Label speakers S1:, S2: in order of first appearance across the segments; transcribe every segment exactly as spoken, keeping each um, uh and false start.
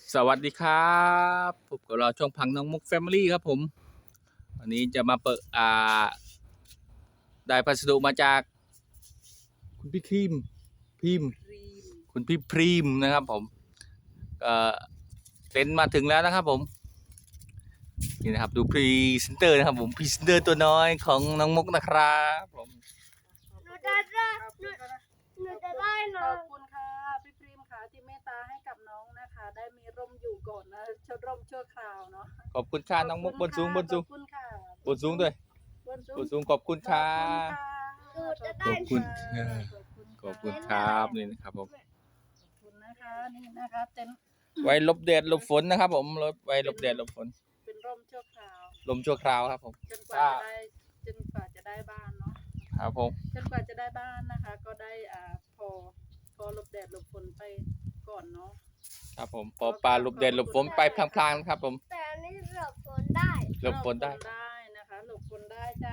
S1: สวัสดีครับพบกับเราช่องพังน้องมุกแฟมิลี่ครับผมวันนี้จะมาเปิดอ่าได้พัสดุมาจากคุณพี่ครีมพิมพ์คุณพี่พรีมนะครับผมเอ่อเต็นท์มาถึงแล้วนะครับผมนี่นะครับดูพรีเซนเตอร์นะครับผมพรีเซนเตอร์ตัวน้อยของน้องมุกนะครับผม
S2: หนูจะได้หนูหนูจะได้น้
S3: ข
S2: อ
S3: อง บคุณค่ะพี่พรีมค่ะที่เมตตาให้กับน้องนะคะ ได้มีร่มอยู่ก่อนนะชดร่มชั่วคราวเนาะ
S1: ขอบคุณค่ะน้องมุกบนสูงบนสูง
S3: ขอบคุณค่ะ
S1: บนสูงด้วย
S3: บนสู
S1: บ
S3: ง
S1: นสูงขอบคุณค่ะ
S3: ขอบ
S1: ขอบคุณค่ะ ขอบคุณครับนี่นะครับผม
S3: ขอบคุณนะคะนี่นะคะเต็นท์
S1: ไว้หลบแดดหลบฝนนะครับผมไว้หลบแดดหลบฝน
S3: เป็นร่มชั่วคราว
S1: ลมชั่วคราวครับผม
S3: จนกว่าจะได้จนกว่าจะได้บ้านเนาะ
S1: ครับผม
S3: จนกว่าจะได้บ้านนะคะ ก็ได้อ่าพอพอหลบแดดหลบฝนไปก่อนเนาะ
S1: ครับผมพอปลาหลบแดดหลบฝนไปพลางๆครับผม
S2: แต่อันนี้หลบฝนได้
S1: หลบฝนได้
S3: หลบได้นะคะหลบฝนได้จ้า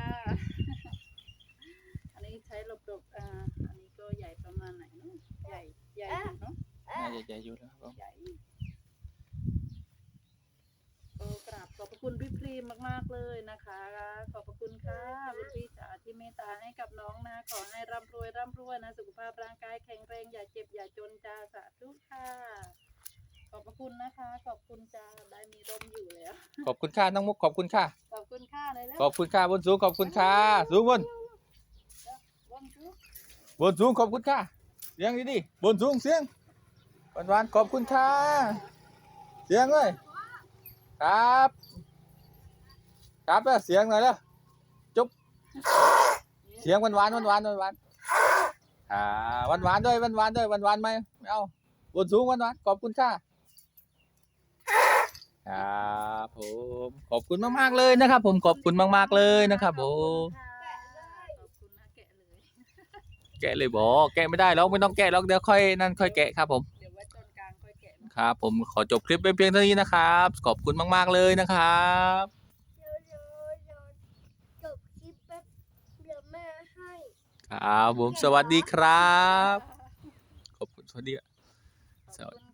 S3: อันนี้ใช้หลบหลบอ่าอันนี้ก็ใหญ่ประมาณไหนเนาะใหญ่ใหญ่อยู่เนาะ
S1: น่าจะใหญ่อยู่นะครับผม
S3: ใหญ่ก็กราบขอบพระคุณพี่พรีมมากๆเลยนะคะ ขอบพระคุณค่ะคุณพี่จ๋าที่เมตตาให้กับน้องนะขอให้ร่ำรวยร่ำรวยนะสุขภาพร่างกายแข็งแรงอย่าเจ็บอย่าจนจ้าสาธุค่ะ ขอบพระคุณนะคะ ขอบคุณจ้าได้มีร่มอยู่แล้ว
S1: ขอบคุณค่ะน้องมุกขอบคุณค่ะ
S3: ขอบคุณค่ะเลยแล้ว
S1: ขอบคุณค่ะบนสูงขอบคุณค่ะสูงบน
S3: ร่มจุ๊บบ
S1: นสูงขอบคุณค่ะเสียงดีๆบนสูงเสียงหวานๆขอบคุณค่ะเสียงเลยครับครับแล้วเสียงหน่อยแล้วจุ๊บเสียงหวานๆหวานๆหวานๆอ่าหวานๆด้วยหวานๆด้วยหวานๆไหมไม่เอาบนสูงหวานๆขอบคุณค่ะครับผมขอบคุณมากๆเลยนะครับ ผมขอบคุณมากๆเลยนะครับผม
S3: ขอบคุณนะแกะเลย
S1: แกะเลยบอกแกะไม่ได้หรอกไม่ต้องแกะหรอกเดี๋ยวค่อยนั่นค่อยแกะครับผม
S3: เดี๋ยวไว้ตอนกลางค่อยแกะเนอะ
S1: ครับผมขอจบคลิปเป็นเพียงเท่านี้นะครับขอบคุณมากๆเลยนะครับ
S2: เดี๋ยวเดี๋ยวเดี๋ยวจบคลิปแป๊บเดี๋ยวแม่ให้
S1: ครับผมสวัสดีครับขอบคุณสวัสดี
S3: ขอบคุณ